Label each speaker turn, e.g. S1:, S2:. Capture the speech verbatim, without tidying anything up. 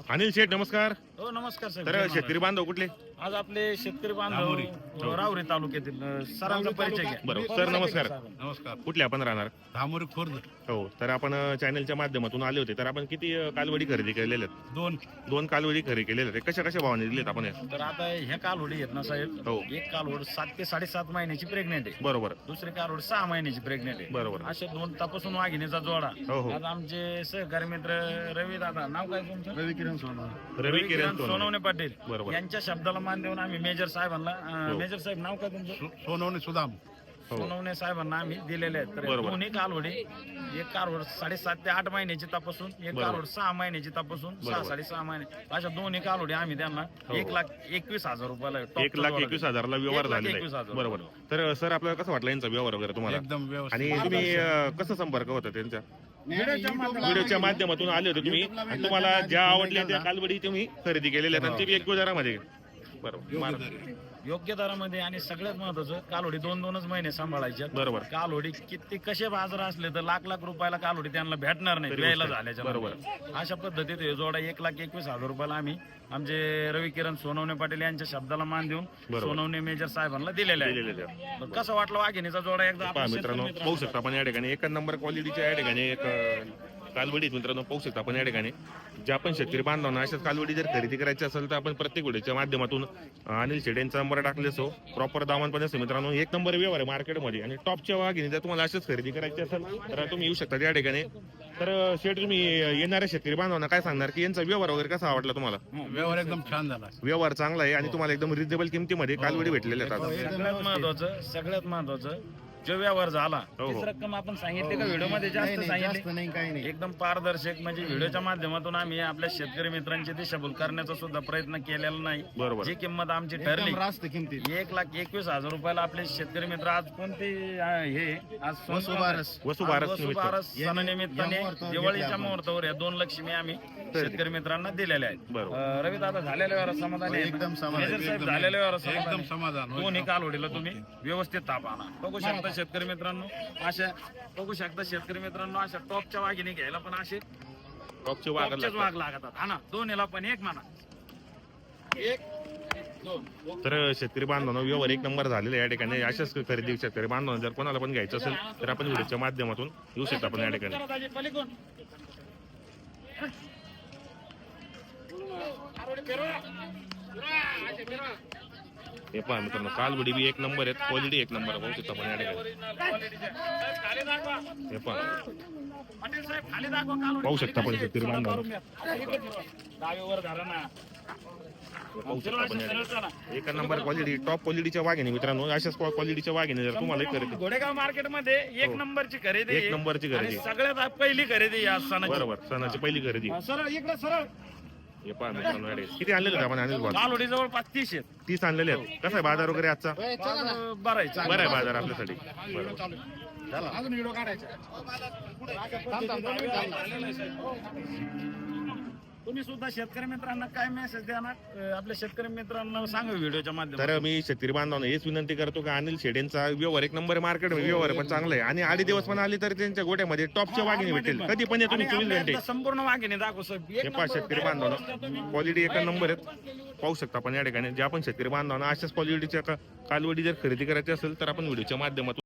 S1: अनिल शेठ नमस्कार.
S2: हो नमस्कार साहेब.
S1: तर
S2: जय
S1: शेतकरी बांधव कुठले?
S2: महाराज. आज आपले शेतकरी बांधव राहुरी तालुक्यातील अ, सरांचा परिचय घ्या.
S1: बरोबर सर नमस्कार.
S3: नमस्कार.
S1: कुठले आपण राहणार?
S3: धामोरी खुर्द.
S1: हो तर आपण अ, चॅनलच्या माध्यमातून आले होते. तर आपण किती अ, कालवडी खरेदी केलेल्या आहेत?
S3: दोन.
S1: दोन कालवडी खरेदी केलेल्या आहेत. कशा कशा भावाने दिलेत आपण हे?
S2: तर आता ह्या कालवडी आहेत ना साहेब,
S1: हो.
S2: एक कालवड सात ते साडेसात महिन्याची प्रेग्नेंट आहे,
S1: बरोबर
S2: दुसरी कालवड सहा महिन्याची प्रेग्नेंट आहे.
S1: बरोबर.
S2: असे दोन तपासून वाघिणीचा जोडा.
S1: हो, हो.
S2: आज आमचे सहकारी मित्र रवी दादा, नाव काय तुमचं?
S3: रवी किरण सोनवणे.
S1: रवी किरण
S2: सोनवणे
S1: सोनवणे.
S2: पाटील
S1: बरोबर.
S2: यांच्या शब्दाला मान देऊन आम्ही मेजर साहेबांना अ,
S1: हो.
S2: मेजर साहेब नाव काय तुमचं?
S3: सो- सोनवणे सुदाम.
S1: हो
S2: सोनवणे साहेबांना आम्ही दिलेले आहेत. तर
S1: बरोबर.
S2: दोन्ही कालवडी, एक कालवड साडेसात ते आठ महिन्याची तपासून, एक
S1: बरोबर.
S2: कालवड सहा महिन्याची तपासून, सहा
S1: बरोबर.
S2: साडेसहा महिने, अशा दोन्ही कालवडी आम्ही त्यांना
S1: हो.
S2: एक लाख एकवीस हजार रुपयाला top
S1: एक लाख
S2: जोडा
S1: एकवीस
S2: दिला.
S1: हजारला व्यवहार
S2: एक लाख
S1: झालेला
S2: एकवीस
S1: आहे.
S2: हजार.
S1: बरोबर. तर सर आपल्याला कसं वाटलं यांचा व्यवहार वगैरे तुम्हाला?
S3: एकदम व्यवस्थित.
S1: आणि तुम्ही अ, कसं संपर्क होता त्यांचा?
S2: व्हिडिओच्या माध्यमातून-
S1: व्हिडिओच्या माध्यमातून आले होते तुम्ही आणि तुम्हाला ज्या आवडल्या त्या कालवडी तुम्ही खरेदी केलेल्या आहेत आणि ते बी एक दरामध्ये. बरोबर
S3: योग्य
S2: योग्य दरामध्ये. आणि सगळ्यात महत्वाचं, कालवडी दोन दोनच महिने सांभाळायच्या.
S1: बरोबर.
S2: कालवडी किती कसे बाजार असले तर लाख लाख रुपयाला कालवडी त्यांना भेटणार नाही
S1: तरी
S2: द्यायला
S1: गोष्ट आहे.
S2: झाल्याच्या
S1: बरोबर.
S2: नंतर. अशा पद्धतीत हे जोडा एक लाख एकवीस हजार रुपयाला आम्ही आमचे रवी किरण सोनवणे पाटील यांच्या शब्दाला मान देऊन
S1: बरोबर.
S2: सोनवणे मेजर साहेबांना दिलेले आहे.
S1: दिलेले आहेत.
S2: तर कसं वाटलं वाघिणीचा जोडा एकदा
S1: पहा
S2: आपण
S1: मित्रांनो,
S2: शेतकरी
S1: पाहू शकता आपण या ठिकाणी एक नंबर क्वालिटीच्या या ठिकाणी एक अ, कालवडी आहेत मित्रांनो. पाहू शकता आपण या ठिकाणी ज्या पण शेतकरी बांधवांना अशाच कालवडी जर खरेदी करायची असेल तर आपण प्रत्येक व्हिडिओच्या माध्यमातून अ, अनिल शेड यांचा नंबर टाकले असो. प्रॉपर दामनपणे असं मित्रांनो एक नंबर व्यवहार आहे मार्केटमध्ये. आणि टॉपच्या वाघिणी जर तुम्हाला अशाच खरेदी करायची असेल तर तुम्ही येऊ शकता या ठिकाणी. तर अ, शेठ तुम्ही येणाऱ्या शेतकरी बांधवांना काय सांगणार की यांचा व्यवहार वगैरे कसा आवडला तुम्हाला?
S3: व्यवहार एकदम छान झाला.
S1: व्यवहार चांगला आहे आणि तुम्हाला एकदम रिजनेबल किमतीमध्ये कालवडी भेटलेल्या आहेत आता.
S2: सगळ्यात महत्वाचं सगळ्यात महत्वाचं जो व्यवहार झाला
S1: हो, हो.
S2: तीच रक्कम आपण सांगितली का व्हिडिओ मध्ये जास्त सांगितली?
S3: नाही काही नाही.
S2: एकदम पारदर्शक, म्हणजे व्हिडिओच्या माध्यमातून आम्ही आपल्या शेतकरी मित्रांची दिशाभूल करण्याचा सुद्धा प्रयत्न केलेला नाही.
S1: बरोबर.
S2: जी किंमत आमची ठरली
S3: एकदम रास्त किमतीत.
S2: एक लाख एकवीस हजार रुपयाला आपले शेतकरी मित्र आज कोणते अं, हे आज
S3: वसुबारस.
S1: वसुबारस
S2: आज
S1: निमित्त.
S2: वसुबारस सणानिमित्ताने
S3: या मुहूर्तावर
S2: दिवाळीच्या
S3: घेतल्या आपण.
S2: मुहूर्तावर या दोन लक्ष्मी आम्ही शेतकरी मित्रांना दिलेल्या आहेत.
S1: बरोबर.
S2: रवी दादा झालेल्या वेळा समाधानी आहे ना?
S3: एकदम समाधानी.
S2: मेजर साहेब
S3: एकदम-
S2: झालेल्या वेळा
S3: एकदम
S2: समाधानी.
S3: समाधान.
S2: दोन्ही कालवडीला तुम्ही व्यवस्थित ताप आणा. बघू शकता शेतकरी मित्रांनो, अशा बघू शकता शेतकरी मित्रांनो, अशा टॉपच्या वाघिणी घ्यायला पण असे
S1: टॉपचे वाघ
S2: टॉपचेच वाघ लागतात. हा ना, दोन्हीला पण एक म्हणा, एक दोन.
S1: तर शेतकरी बांधवांनो व्यवहार एक नंबर झालेला आहे या ठिकाणी. अशाच खरेदी शेतकरी बांधवांना जर कोणाला पण घ्यायचं असेल तर आपण व्हिडिओच्या माध्यमातून येऊ शकता आपण या ठिकाणी.
S2: जरा दाजी, पलीकडून.
S1: हे पहा मित्रांनो, कालवडी बी एक नंबर आहेत, क्वालिटी एक नंबर आहे. पाहू शकता आपण या ठिकाणी.
S2: खाली दाखवा.
S1: हे पहा
S2: पाटील साहेब, खाली दाखवा कालवडी.
S1: पाहू शकता आपण
S2: खाली कशी
S1: शेतकरी
S2: आहे?
S1: बांधव.
S2: करून घ्या. डावीवर धरा ना.
S1: पाहू शकता आपण या
S2: सरळ
S1: ठिकाणी.
S2: चला.
S1: एक नंबर क्वालिटी, टॉप क्वालिटीच्या वाघिणी मित्रांनो. अशाच क्वालिटीच्या वाघिणी जर तुम्हाला खरेदी
S2: घोडेगाव मार्केट मध्ये एक
S1: हो.
S2: नंबरची खरेदी
S1: एक
S2: आहे.
S1: नंबरची खरेदी.
S2: आणि सगळ्यात पहिली खरेदी या सणाची.
S1: बरोबर, सणाची पहिली खरेदी.
S2: हा, सरळ इकडे सरळ.
S1: हे पहा मित्रांनो, या ठिकाणी. किती आणलेले आपण अनिल भाऊ?
S2: कालवडी जवळपास तीस आहेत.
S1: तीस आणलेले आहेत. कसा आहे बाजार वगैरे आजचा?
S2: बाजार बरं आहे, चांगला.
S1: बरं आहे बाजार आपल्यासाठी. बरोबर.
S3: अजून व्हिडिओ काढायचा.
S2: तुम्ही सुद्धा शेतकरी मित्रांना काय मेसेज देणार? अं, आपल्या शेतकरी मित्रांना सांगा व्हिडिओच्या माध्यमातून.
S1: तर मी शेतकरी बांधवांना हेच विनंती करतो की अनिल शेडेंचा व्यवहार एक नंबर मार्केट व्यवहार पण चांगला आहे. आणि आडी दिवस पण आली तर त्यांच्या गोट्यामध्ये टॉपच्या वाघिणी भेटेल. कधी पण या तुम्ही
S2: आणि
S1: चोवीस
S2: आपल्या
S1: घंटे.
S2: इथलं संपूर्ण वाघिणी दाखव सर. एक
S1: हे पहा
S2: नंबर
S1: शेतकरी
S2: direct
S1: बांधवांना क्वालिटी एक नंबर आहेत. पाहू शकता आपण या ठिकाणी. जे आपण शेतकरी बांधवांना अशाच क्वालिटीच्या कालवडी जर खरेदी करायची असेल तर आपण व्हिडिओच्या माध्यमातून